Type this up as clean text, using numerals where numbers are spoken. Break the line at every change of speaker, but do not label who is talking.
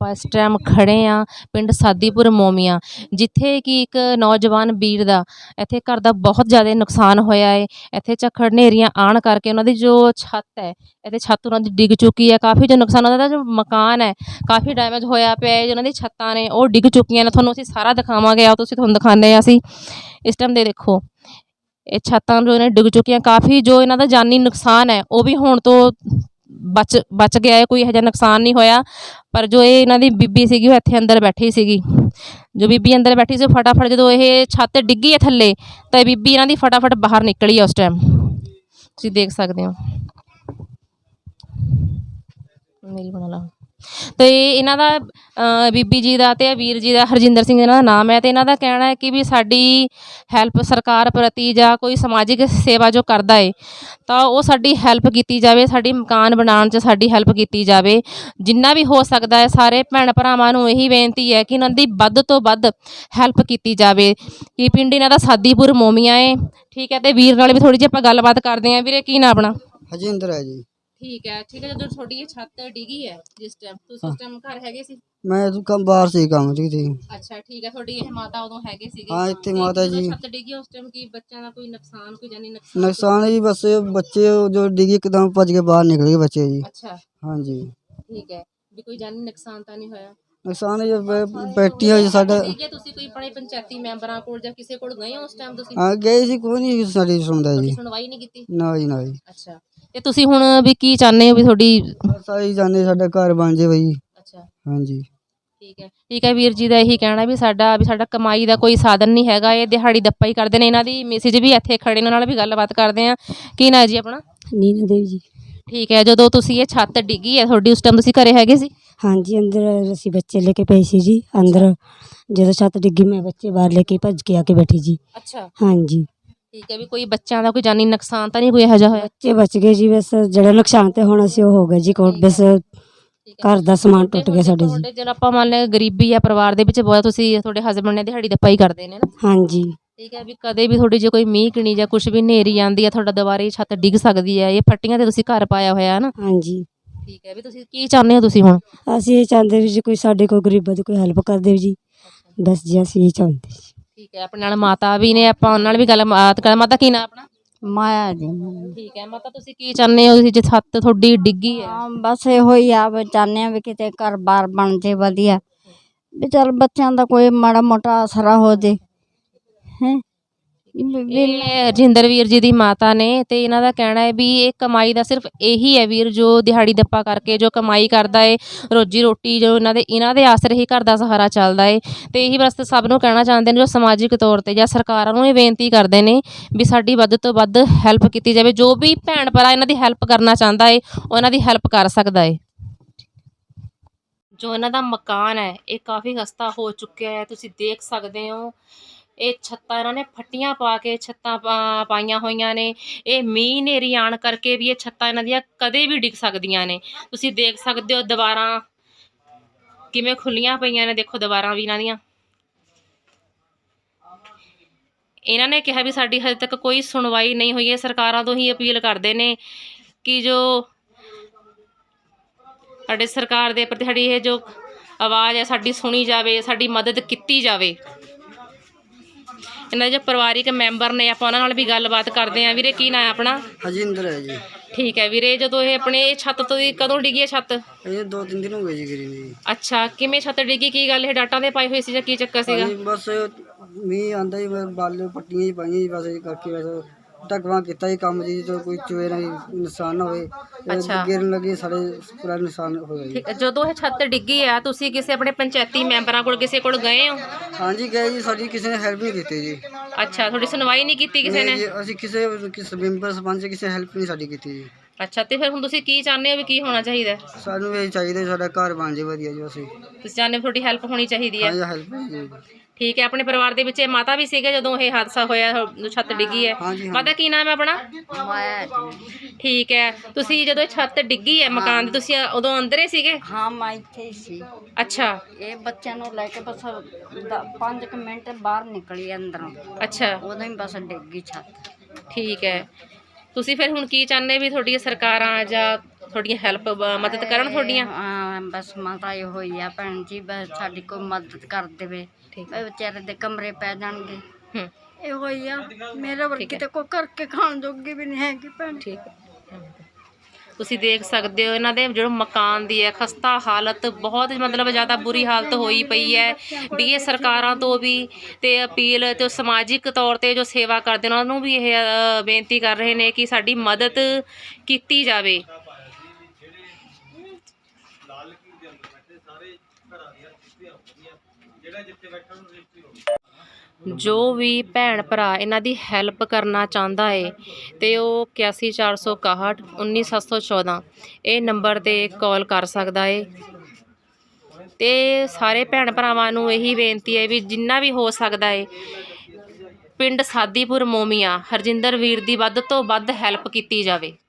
ਆਪਾਂ ਇਸ ਟਾਈਮ ਖੜੇ ਹਾਂ ਪਿੰਡ ਸਾਦੀਪੁਰ ਮੋਮੀਆਂ, ਜਿੱਥੇ ਕਿ ਇੱਕ ਨੌਜਵਾਨ ਵੀਰ ਦਾ ਇੱਥੇ ਘਰ ਦਾ ਬਹੁਤ ਜ਼ਿਆਦਾ ਨੁਕਸਾਨ ਹੋਇਆ ਹੈ। ਇੱਥੇ ਝੱਖੜ ਹਨੇਰੀਆਂ ਆਉਣ ਕਰਕੇ ਉਹਨਾਂ ਦੀ ਜੋ ਛੱਤ ਹੈ, ਇੱਥੇ ਛੱਤ ਉਹਨਾਂ ਦੀ ਡਿੱਗ ਚੁੱਕੀ ਹੈ। ਕਾਫੀ ਜੋ ਨੁਕਸਾਨ ਉਹਨਾਂ ਦਾ ਜੋ ਮਕਾਨ ਹੈ ਕਾਫੀ ਡੈਮੇਜ ਹੋਇਆ ਪਿਆ ਹੈ। ਉਹਨਾਂ ਦੀ ਛੱਤਾਂ ਨੇ ਉਹ ਡਿੱਗ ਚੁੱਕੀਆਂ ਨੇ। ਤੁਹਾਨੂੰ ਅਸੀਂ ਸਾਰਾ ਦਿਖਾਵਾਂਗੇ, ਆਓ ਤੁਸੀਂ ਤੁਹਾਨੂੰ ਦਿਖਾਉਂਦੇ ਹਾਂ ਅਸੀਂ ਇਸ ਟਾਈਮ ਦੇ ਦੇਖੋ ਇਹ ਛੱਤਾਂ ਜੋ ਇਹਨਾਂ ਡਿੱਗ ਚੁੱਕੀਆਂ। ਕਾਫੀ ਜੋ ਇਹਨਾਂ ਦਾ ਜਾਨੀ ਨੁਕਸਾਨ ਹੈ ਉਹ ਵੀ ਹੋਣ ਤੋਂ ਬਚ ਗਿਆ ਹੈ, ਕੋਈ ਇਹੋ ਜਿਹਾ ਨੁਕਸਾਨ ਨਹੀਂ ਹੋਇਆ। ਪਰ ਜੋ ਇਹ ਇਹਨਾਂ ਦੀ ਬੀਬੀ ਸੀਗੀ ਉਹ ਇੱਥੇ ਅੰਦਰ ਬੈਠੀ ਸੀਗੀ। ਜੋ ਬੀਬੀ ਅੰਦਰ ਬੈਠੀ ਸੀ ਫਟਾਫਟ ਜਦੋਂ ਇਹ ਛੱਤ ਡਿੱਗੀ ਹੈ ਥੱਲੇ ਤਾਂ ਇਹ ਬੀਬੀ ਇਹਨਾਂ ਦੀ ਫਟਾਫਟ ਬਾਹਰ ਨਿਕਲੀ ਹੈ। ਉਸ ਟਾਈਮ ਤੁਸੀਂ ਦੇਖ ਸਕਦੇ ਹੋ ਮੇਰੀ ਬਣਾ ਲਾ। ਅਤੇ ਇਹਨਾਂ ਦਾ ਬੀਬੀ ਜੀ ਦਾ ਅਤੇ ਵੀਰ ਜੀ ਦਾ ਹਰਜਿੰਦਰ ਸਿੰਘ ਇਹਨਾਂ ਦਾ ਨਾਮ ਹੈ। ਅਤੇ ਇਹਨਾਂ ਦਾ ਕਹਿਣਾ ਹੈ ਕਿ ਵੀ ਸਾਡੀ ਹੈਲਪ ਸਰਕਾਰ ਪ੍ਰਤੀ ਜਾਂ ਕੋਈ ਸਮਾਜਿਕ ਸੇਵਾ ਜੋ ਕਰਦਾ ਹੈ ਤਾਂ ਉਹ ਸਾਡੀ ਹੈਲਪ ਕੀਤੀ ਜਾਵੇ, ਸਾਡੀ ਮਕਾਨ ਬਣਾਉਣ 'ਚ ਸਾਡੀ ਹੈਲਪ ਕੀਤੀ ਜਾਵੇ ਜਿੰਨਾ ਵੀ ਹੋ ਸਕਦਾ ਹੈ। ਸਾਰੇ ਭੈਣ ਭਰਾਵਾਂ ਨੂੰ ਇਹੀ ਬੇਨਤੀ ਹੈ ਕਿ ਇਹਨਾਂ ਦੀ ਵੱਧ ਤੋਂ ਵੱਧ ਹੈਲਪ ਕੀਤੀ ਜਾਵੇ। ਕਿ ਪਿੰਡ ਇਹਨਾਂ ਦਾ ਸਾਦੀਪੁਰ ਮੋਮੀਆਂ ਹੈ, ਠੀਕ ਹੈ। ਅਤੇ ਵੀਰ ਨਾਲ ਵੀ ਥੋੜ੍ਹੀ ਜਿਹੀ ਆਪਾਂ ਗੱਲਬਾਤ ਕਰਦੇ ਹਾਂ। ਵੀਰੇ ਕੀ ਨਾਂ ਆਪਣਾ?
ਹਰਜਿੰਦਰ ਹੈ ਜੀ।
ਠੀਕ ਹੈ। ਜਦੋਂ ਤੁਹਾਡੀ ਇਹ ਛੱਤ ਡਿੱਗੀ ਹੈ ਜਿਸ ਟਾਈਮ ਤੁਸੀਂ ਉਸ ਟਾਈਮ ਘਰ ਹੈਗੇ ਸੀ?
ਮੈਂ ਕੰਮ ਬਾਹਰ ਸੀ, ਕੰਮ ਸੀ।
ਅੱਛਾ ਠੀਕ ਹੈ। ਤੁਹਾਡੀ ਇਹ ਮਾਤਾ ਉਦੋਂ ਹੈਗੇ ਸੀਗੇ?
ਹਾਂ ਇੱਥੇ ਮਾਤਾ ਜੀ।
ਛੱਤ ਡਿੱਗੀ ਉਸ ਟਾਈਮ ਕੀ ਬੱਚਿਆਂ ਦਾ ਕੋਈ ਨੁਕਸਾਨ, ਕੋਈ ਜਾਨੀ
ਨੁਕਸਾਨ ਜੀ ਬਸ ਬੱਚੇ ਜੋ ਡਿੱਗੀ ਇੱਕਦਮ ਭੱਜ ਕੇ ਬਾਹਰ ਨਿਕਲ ਗਏ ਬੱਚੇ ਜੀ।
ਅੱਛਾ
ਹਾਂਜੀ
ਠੀਕ ਹੈ। ਵੀ ਕੋਈ ਜਾਨੀ ਨੁਕਸਾਨ ਤਾਂ ਨਹੀਂ ਹੋਇਆ?
ਨੁਕਸਾਨ ਜੀ ਬੈਠੀ ਹੋਈ ਸਾਡਾ।
ਠੀਕ ਹੈ। ਤੁਸੀਂ ਕੋਈ ਆਪਣੇ ਪੰਚਾਇਤੀ ਮੈਂਬਰਾਂ ਕੋਲ ਜਾਂ ਕਿਸੇ ਕੋਲ ਗਏ ਹੋ ਉਸ ਟਾਈਮ ਤੁਸੀਂ?
ਹਾਂ ਗਏ ਸੀ, ਕੋਈ ਨਹੀਂ ਸਾਡੀ ਸੁਣਦਾ ਜੀ।
ਸੁਣਵਾਈ ਨਹੀਂ ਕੀਤੀ?
ਨਾ ਜੀ ਨਾ ਜੀ।
ਅੱਛਾ ਤੇ ਤੁਸੀਂ ਹੁਣ ਵੀ ਕੀ ਚਾਹੁੰਦੇ ਹੋ ਵੀ ਤੁਹਾਡੀ?
ਸਾਰੀ ਜਾਨੇ ਸਾਡਾ ਘਰ ਬਣ ਜੇ ਬਈ।
ਅੱਛਾ
ਹਾਂਜੀ
ਠੀਕ ਹੈ। ਠੀਕ ਹੈ। ਵੀਰ ਜੀ ਦਾ ਇਹੀ ਕਹਿਣਾ ਵੀ ਸਾਡਾ ਕਮਾਈ ਦਾ ਕੋਈ ਸਾਧਨ ਨਹੀਂ ਹੈਗਾ, ਇਹ ਦਿਹਾੜੀ ਦੱਪਾ ਹੀ ਕਰਦੇ ਨੇ। ਇਹਨਾਂ ਦੀ ਮੈਸੇਜ ਵੀ ਇੱਥੇ ਖੜੇ ਨੇ, ਉਹਨਾਂ ਨਾਲ ਵੀ ਗੱਲਬਾਤ ਕਰਦੇ ਹਾਂ। ਕੀ ਨਾਂ ਜੀ ਆਪਣਾ?
ਨੀਨਾ ਦੇਵੀ ਜੀ।
ਠੀਕ ਹੈ। ਜਦੋਂ ਤੁਸੀਂ ਇਹ ਛੱਤ ਡਿੱਗੀ ਹੈ ਤੁਹਾਡੀ ਉਸ ਟਾਈਮ ਤੁਸੀਂ ਘਰੇ ਹੈਗੇ ਸੀ?
ਹਾਂਜੀ ਅੰਦਰ ਅਸੀਂ ਬੱਚੇ ਲੈ ਕੇ ਪਏ ਸੀ ਜੀ। ਅੰਦਰ ਜਦੋਂ ਛੱਤ ਡਿੱਗੀ ਮੈਂ ਬੱਚੇ ਬਾਹਰ ਲੈ ਕੇ ਭੱਜ ਕੇ ਆ ਕੇ ਬੈਠੀ ਜੀ।
ਅੱਛਾ
ਹਾਂਜੀ
ਠੀਕ ਹੈ। ਵੀ ਕੋਈ ਬੱਚਿਆਂ ਦਾ ਕੋਈ ਜਾਨੀ ਨੁਕਸਾਨ ਤਾਂ ਨਹੀਂ ਕੋਈ ਇਹੋ ਜਿਹਾ ਹੋਇਆ?
ਬੱਚੇ ਬਚ ਗਏ ਜੀ, ਬਸ ਜਿਹੜਾ ਨੁਕਸਾਨ ਤੇ ਹੋਣਾ ਸੀ ਉਹ ਹੋ ਗਿਆ ਜੀ। ਕੋਟ ਬਸ ਘਰ ਦਾ ਸਮਾਨ ਟੁੱਟ ਗਿਆ ਸਾਡੇ ਜੀ।
ਜਦੋਂ ਆਪਾਂ ਮੰਨ ਲਿਆ ਗਰੀਬੀ ਆ ਪਰਿਵਾਰ ਦੇ ਵਿੱਚ ਬਹੁਤ, ਤੁਸੀਂ ਤੁਹਾਡੇ ਹਸਬੈਂਡ ਨੇ ਦਿਹਾੜੀ ਦੱਪਾ ਹੀ ਕਰਦੇ ਨੇ ਨਾ?
ਹਾਂਜੀ
ਠੀਕ ਹੈ। ਵੀ ਕਦੇ ਵੀ ਤੁਹਾਡੀ ਜੇ ਕੋਈ ਮੀਂਹ ਕਣੀ ਜਾਂ ਕੁਛ ਵੀ ਹਨੇਰੀ ਆਉਂਦੀ ਹੈ ਤੁਹਾਡਾ ਦੁਬਾਰੇ ਛੱਤ ਡਿੱਗ ਸਕਦੀ ਹੈ। ਇਹ ਫੱਟੀਆਂ ਤੇ ਤੁਸੀਂ ਘਰ ਪਾਇਆ ਹੋਇਆ ਹੈ ਨਾ?
ਹਾਂਜੀ
ਠੀਕ ਹੈ। ਵੀ ਤੁਸੀਂ ਕੀ ਚਾਹੁੰਦੇ ਹੋ ਤੁਸੀਂ ਹੁਣ?
ਅਸੀਂ ਇਹ ਚਾਹੁੰਦੇ ਵੀ ਜੀ ਕੋਈ ਸਾਡੇ ਕੋਲ ਗਰੀਬਾਂ ਦੀ ਕੋਈ ਹੈਲਪ ਕਰ ਦੇਵੇ ਜੀ, ਬਸ ਜੀ ਅਸੀਂ ਇਹ ਚਾਹੁੰਦੇ ਜੀ।
ਠੀਕ ਹੈ। ਆਪਣੇ ਨਾਲ ਮਾਤਾ ਵੀ ਨੇ, ਆਪਾਂ ਉਹਨਾਂ ਨਾਲ ਵੀ ਗੱਲਬਾਤ ਕਰ। ਮਾਤਾ ਕੀ ਨਾਂ ਆਪਣਾ?
ਮਾਇਆ ਜੀ।
ਠੀਕ ਹੈ। ਮਾਤਾ ਤੁਸੀਂ ਕੀ ਚਾਹੁੰਦੇ ਹੋ ਤੁਸੀਂ ਜੇ ਛੱਤ ਤੁਹਾਡੀ ਡਿੱਗੀ ਹੈ?
ਬਸ ਇਹੋ ਹੀ ਆ ਵੀ ਚਾਹੁੰਦੇ ਆ ਵੀ ਕਿਤੇ ਘਰ ਬਾਰ ਬਣ ਜੇ ਵਧੀਆ, ਵੀ ਚੱਲ ਬੱਚਿਆਂ ਦਾ ਕੋਈ ਮਾੜਾ ਮੋਟਾ ਆਸਰਾ ਹੋ ਜੇ ਹੈ।
ਇਹ ਰਜਿੰਦਰ ਵੀਰ ਜੀ ਦੀ ਮਾਤਾ ਨੇ ਤੇ ਇਹਨਾਂ ਦਾ ਕਹਿਣਾ ਹੈ ਵੀ ਇਹ ਕਮਾਈ ਦਾ ਸਿਰਫ ਇਹੀ ਹੈ ਵੀਰ, ਜੋ ਦਿਹਾੜੀ ਦੱਪਾ ਕਰਕੇ ਜੋ ਕਮਾਈ ਕਰਦਾ ਹੈ, ਰੋਜੀ ਰੋਟੀ ਜੋ ਇਹਨਾਂ ਦੇ ਆਸਰੇ ਹੀ ਘਰ ਦਾ ਸਹਾਰਾ ਚੱਲਦਾ ਹੈ। ਤੇ ਇਹੀ ਬਸ ਸਭ ਨੂੰ ਕਹਿਣਾ ਚਾਹੁੰਦੇ ਨੇ ਜੋ ਸਮਾਜਿਕ ਤੌਰ ਤੇ ਜਾਂ ਸਰਕਾਰਾਂ ਨੂੰ ਇਹ ਬੇਨਤੀ ਕਰਦੇ ਨੇ ਵੀ ਸਾਡੀ ਵੱਧ ਤੋਂ ਵੱਧ ਹੈਲਪ ਕੀਤੀ ਜਾਵੇ। ਜੋ ਵੀ ਭੈਣ ਭਰਾ ਇਹਨਾਂ ਦੀ ਹੈਲਪ ਕਰਨਾ ਚਾਹੁੰਦਾ ਹੈ ਉਹ ਇਹਨਾਂ ਦੀ ਹੈਲਪ ਕਰ ਸਕਦਾ ਹੈ। ਜੋ ਇਹਨਾਂ ਦਾ ਮਕਾਨ ਹੈ ਇਹ ਕਾਫੀ ਖਸਤਾ ਹੋ ਚੁੱਕਿਆ ਹੈ, ਤੁਸੀਂ ਦੇਖ ਸਕਦੇ ਹੋ। ਇਹ ਛੱਤਾਂ ਇਹਨਾਂ ਨੇ ਫੱਟੀਆਂ ਪਾ ਕੇ ਛੱਤਾਂ ਪਾਈਆਂ ਹੋਈਆਂ ਨੇ। ਇਹ ਮੀਂਹ ਹਨੇਰੀ ਆਉਣ ਕਰਕੇ ਵੀ ਇਹ ਛੱਤਾਂ ਇਹਨਾਂ ਦੀਆਂ ਕਦੇ ਵੀ ਡਿੱਗ ਸਕਦੀਆਂ ਨੇ। ਤੁਸੀਂ ਦੇਖ ਸਕਦੇ ਹੋ ਦੀਵਾਰਾਂ ਕਿਵੇਂ ਖੁੱਲੀਆਂ ਪਈਆਂ ਨੇ, ਦੇਖੋ ਦੀਵਾਰਾਂ ਵੀ ਇਹਨਾਂ ਦੀਆਂ। ਇਹਨਾਂ ਨੇ ਕਿਹਾ ਵੀ ਸਾਡੀ ਹਜੇ ਤੱਕ ਕੋਈ ਸੁਣਵਾਈ ਨਹੀਂ ਹੋਈ ਹੈ। ਸਰਕਾਰਾਂ ਤੋਂ ਹੀ ਅਪੀਲ ਕਰਦੇ ਨੇ ਕਿ ਜੋ ਸਾਡੇ ਸਰਕਾਰ ਦੇ ਪ੍ਰਤੀ ਸਾਡੀ ਇਹ ਜੋ ਆਵਾਜ਼ ਹੈ ਸਾਡੀ ਸੁਣੀ ਜਾਵੇ, ਸਾਡੀ ਮਦਦ ਕੀਤੀ ਜਾਵੇ। ਇਹਨਾਂ ਦੇ ਜੋ ਪਰਿਵਾਰਿਕ ਮੈਂਬਰ ਨੇ ਆਪਾਂ ਉਹਨਾਂ ਨਾਲ ਵੀ ਗੱਲਬਾਤ ਕਰਦੇ ਹਾਂ। ਵੀਰੇ ਕੀ ਨਾਂ ਹੈ ਆਪਣਾ?
ਹਰਜਿੰਦਰ ਹੈ ਜੀ।
ਠੀਕ ਹੈ ਵੀਰੇ। ਜਦੋਂ ਇਹ ਆਪਣੇ ਛੱਤ ਤੋਂ ਕਦੋਂ ਡਿੱਗੀ ਹੈ ਛੱਤ?
ਇਹ 2-3 ਦਿਨ ਹੋ ਗਏ ਜੀ ਗਿਰੀ ਨੂੰ।
ਅੱਛਾ ਕਿਵੇਂ ਛੱਤ ਡਿੱਗੀ, ਕੀ ਗੱਲ ਇਹ ਡਾਟਾਂ ਤੇ ਪਾਈ ਹੋਈ ਸੀ ਜਾਂ ਕੀ ਚੱਕਰ ਸੀਗਾ?
ਬਸ ਮੀਂਹ ਆਂਦਾ ਹੀ ਬਾਲੇ ਪੱਟੀਆਂ ਹੀ ਪਾਈਆਂ ਜੀ, ਬਸ ਇਹ ਕਰਕੇ ਬਸ ਢਕਵਾ ਕੀਤਾ ਜੀ ਕੰਮ ਜੀ, ਜੋ ਕੋਈ ਚੋਰ ਨੁਕਸਾਨ ਨਾ ਹੋਵੇ।
ਅੱਛਾ
ਗਿਰਨ ਲੱਗੇ ਸਾਡੇ ਪੂਰਾ ਨੁਕਸਾਨ ਹੋਇਆ ਜੀ।
ਠੀਕ ਹੈ। ਜਦੋਂ ਇਹ ਛੱਤ ਡਿੱਗੀ ਆ ਤੁਸੀਂ ਕਿਸੇ ਆਪਣੇ ਪੰਚਾਇਤੀ ਮੈਂਬਰਾਂ ਕੋਲ ਕਿਸੇ ਕੋਲ ਗਏ ਹੋ?
ਹਾਂਜੀ ਗਏ ਜੀ, ਸਾਡੀ ਕਿਸੇ ਨੇ ਹੈਲਪ ਨਹੀਂ ਕੀਤੀ ਜੀ।
ਅੱਛਾ ਤੁਹਾਡੀ ਸੁਣਵਾਈ ਨਹੀਂ ਕੀਤੀ ਕਿਸੇ ਨੇ?
ਅਸੀਂ ਕਿਸੇ ਮੈਂਬਰ ਸਰਪੰਚ ਕਿਸੇ ਹੈਲਪ ਨਹੀਂ ਸਾਡੀ ਕੀਤੀ ਜੀ।
ਅੱਛਾ ਤੇ ਫਿਰ ਹੁਣ ਤੁਸੀਂ ਕੀ ਚਾਹੁੰਦੇ ਹੋ ਵੀ ਕੀ ਹੋਣਾ ਚਾਹੀਦਾ?
ਸਾਨੂੰ ਇਹ ਚਾਹੀਦਾ ਸਾਡਾ ਘਰ ਬਣ ਜੇ ਵਧੀਆ ਜੀ। ਅਸੀਂ
ਤੁਸੀਂ ਚਾਹੁੰਦੇ ਹੋ ਤੁਹਾਡੀ ਹੈਲਪ ਹੋਣੀ ਚਾਹੀਦੀ ਹੈ?
ਹਾਂਜੀ ਹੈਲਪ ਜੀ।
ਠੀਕ ਹੈ। ਆਪਣੇ ਪਰਿਵਾਰ ਦੇ ਵਿੱਚ ਇਹ ਮਾਤਾ ਵੀ ਸੀਗੇ ਜਦੋਂ ਇਹ ਹਾਦਸਾ ਹੋਇਆ, ਛੱਤ ਡਿੱਗੀ ਹੈ? ਮਾਤਾ ਕੀ ਨਾਮ ਹੈ ਆਪਣਾ?
ਮਾਇਆ।
ਠੀਕ ਹੈ। ਤੁਸੀਂ ਜਦੋਂ ਇਹ ਛੱਤ ਡਿੱਗੀ ਹੈ ਮਕਾਨ ਦੀ ਤੁਸੀਂ ਉਦੋਂ ਅੰਦਰ ਹੀ ਸੀਗੇ?
ਹਾਂ ਮੈਂ ਇੱਥੇ ਹੀ ਸੀ।
ਅੱਛਾ
ਇਹ ਬੱਚਿਆਂ ਨੂੰ ਲੈ ਕੇ ਬਸ 5 ਮਿੰਟ ਬਾਹਰ ਨਿਕਲੀ ਅੰਦਰੋਂ,
ਅੱਛਾ
ਉਦੋਂ ਹੀ ਬਸ ਡਿੱਗ ਗਈ ਛੱਤ।
ਠੀਕ ਹੈ। ਤੁਸੀਂ ਫਿਰ ਹੁਣ ਕੀ ਚਾਹੁੰਦੇ ਵੀ ਤੁਹਾਡੀਆਂ ਸਰਕਾਰਾਂ ਜਾਂ ਤੁਹਾਡੀਆਂ ਹੈਲਪ ਮਦਦ ਕਰਨ ਤੁਹਾਡੀਆਂ?
ਬਸ ਮਾਤਾ ਇਹ ਹੋਈ ਆ ਭੈਣ ਜੀ, ਬਸ ਸਾਡੀ ਕੋਈ ਮਦਦ ਕਰ ਦੇਵੇ।
ਠੀਕ
ਇਹ ਵਿਚਾਰੇ ਦੇ ਕਮਰੇ ਪੈ ਜਾਣਗੇ।
ਹੂੰ
ਇਹ ਹੋਈ ਆ ਮੇਰੇ ਵਰਗੀ ਤੇ ਕੋਈ ਕਰਕੇ ਖਾਣ ਜੋਗੀ ਵੀ ਨਹੀਂ ਹੈਗੀ ਭੈਣ।
ਠੀਕ ਹੈ। ਤੁਸੀਂ ਦੇਖ ਸਕਦੇ ਹੋ ਇਹਨਾਂ ਦੇ ਜਿਹੜਾ ਮਕਾਨ ਦੀ ਹੈ ਖਸਤਾ ਹਾਲਤ, ਬਹੁਤ ਮਤਲਬ ਜ਼ਿਆਦਾ ਬੁਰੀ ਹਾਲਤ ਹੋਈ ਪਈ ਹੈ ਵੀ ਇਹ ਸਰਕਾਰਾਂ ਤੋਂ ਵੀ ਤੇ ਅਪੀਲ ਤੇ ਸਮਾਜਿਕ ਤੌਰ ਤੇ ਜੋ ਸੇਵਾ ਕਰਦੇ ਨੇ ਉਹਨਾਂ ਨੂੰ ਵੀ ਇਹ ਬੇਨਤੀ ਕਰ ਰਹੇ ਨੇ ਕਿ ਸਾਡੀ ਮਦਦ ਕੀਤੀ ਜਾਵੇ। ਜੋ ਵੀ ਭੈਣ ਭਰਾ ਇਹਨਾਂ ਦੀ ਹੈਲਪ ਕਰਨਾ ਚਾਹੁੰਦਾ ਏ ਤੇ ਉਹ 814661 19714 ਇਹ ਨੰਬਰ ਤੇ ਕਾਲ ਕਰ ਸਕਦਾ ਏ। ਤੇ ਸਾਰੇ ਭੈਣ ਭਰਾਵਾਂ ਨੂੰ ਇਹੀ ਬੇਨਤੀ ਹੈ ਵੀ ਜਿੰਨਾ ਵੀ ਹੋ ਸਕਦਾ ਏ ਪਿੰਡ ਸਾਦੀਪੁਰ ਮੋਮੀਆਂ ਹਰਜਿੰਦਰ ਵੀਰ ਦੀ ਵੱਧ ਤੋਂ ਵੱਧ ਹੈਲਪ ਕੀਤੀ ਜਾਵੇ।